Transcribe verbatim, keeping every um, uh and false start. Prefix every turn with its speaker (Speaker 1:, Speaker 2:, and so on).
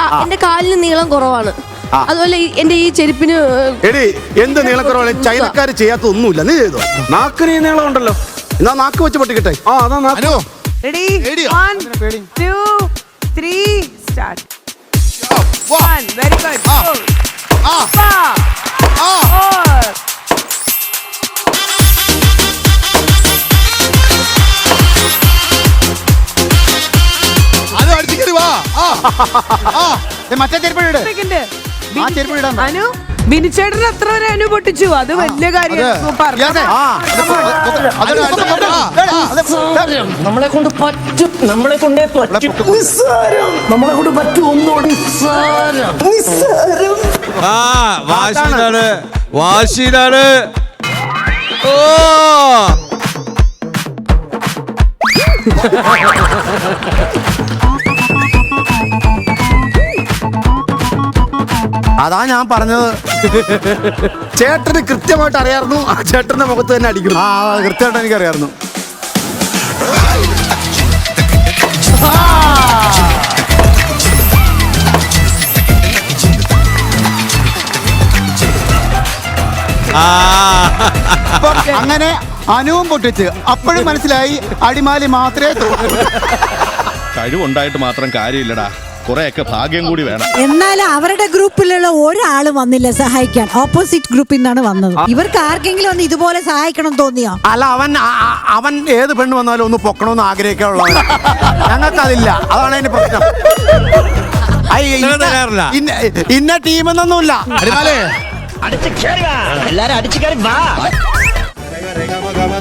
Speaker 1: എന്റെ കാലിന് നീളം കുറവാണ്. അതുപോലെ എന്റെ ഈ ചെരുപ്പിന്
Speaker 2: എടി എന്ത് നീളം കുറവാണ്? ചൈനക്കാര് ചെയ്യാത്ത ഒന്നുമില്ല. നീ ചെയ്തോ? നാക്കിന് ഈ നീളം ഉണ്ടല്ലോ. എന്നാ നാക്ക് വെച്ച് പൊട്ടിക്കട്ടെ. ആ അതാ നാക്ക്.
Speaker 3: Ready? One, two, three, start. One, very good. Four, five, four.
Speaker 4: അത് അടിച്ചു കയറി വാ. മറ്റേ ചെരുപ്പിട്.
Speaker 3: അനു ബിനിച്ചേട്ടൻ എത്ര വരെ അനു പൊട്ടിച്ചു? അത് വലിയ കാര്യം.
Speaker 5: നമ്മളെ കൊണ്ട് പറ്റും, നമ്മളെ കൊണ്ടേ പറ്റും. നമ്മളെ കൊണ്ട് പറ്റും. ഒന്നുകൂടി
Speaker 6: ആ വാശിയിലാണ്, വാശിയിലാണ്. ഓ
Speaker 2: അതാ ഞാൻ പറഞ്ഞത്. ചേട്ടന് കൃത്യമായിട്ട് അറിയായിരുന്നു. ആ ചേട്ടന്റെ മുഖത്ത് തന്നെ അടിക്കുന്നു. ആ കൃത്യമായിട്ട് എനിക്കറിയായിരുന്നു.
Speaker 4: അങ്ങനെ അനുവും പൊട്ടിച്ച് അപ്പോഴും മനസ്സിലായി അടിമാലി മാത്രമേ
Speaker 7: കഴിവുണ്ടായിട്ട് മാത്രം കാര്യമില്ലടാ, കുറെയൊക്കെ ഭാഗ്യം കൂടി വേണം.
Speaker 8: എന്നാൽ അവരുടെ ഗ്രൂപ്പിലുള്ള ഒരാള് വന്നില്ല സഹായിക്കാൻ. ഓപ്പോസിറ്റ് ഗ്രൂപ്പിൽ നിന്നാണ് വന്നത്. ഇവർക്ക് ആർക്കെങ്കിലും ഒന്ന് ഇതുപോലെ സഹായിക്കണം തോന്നിയോ?
Speaker 2: അല്ല, അവൻ അവൻ ഏത് പെണ്ണ് വന്നാലും ഒന്ന് പൊക്കണമെന്ന് ആഗ്രഹിക്കാനുള്ളവൻ. ഞങ്ങൾക്കതില്ല. അതാണ് അതിന്റെ പ്രശ്നം. ഇന്ന ടീമെന്നൊന്നുമില്ല.
Speaker 5: എല്ലാരും അടിച്ചു കയറി വാ.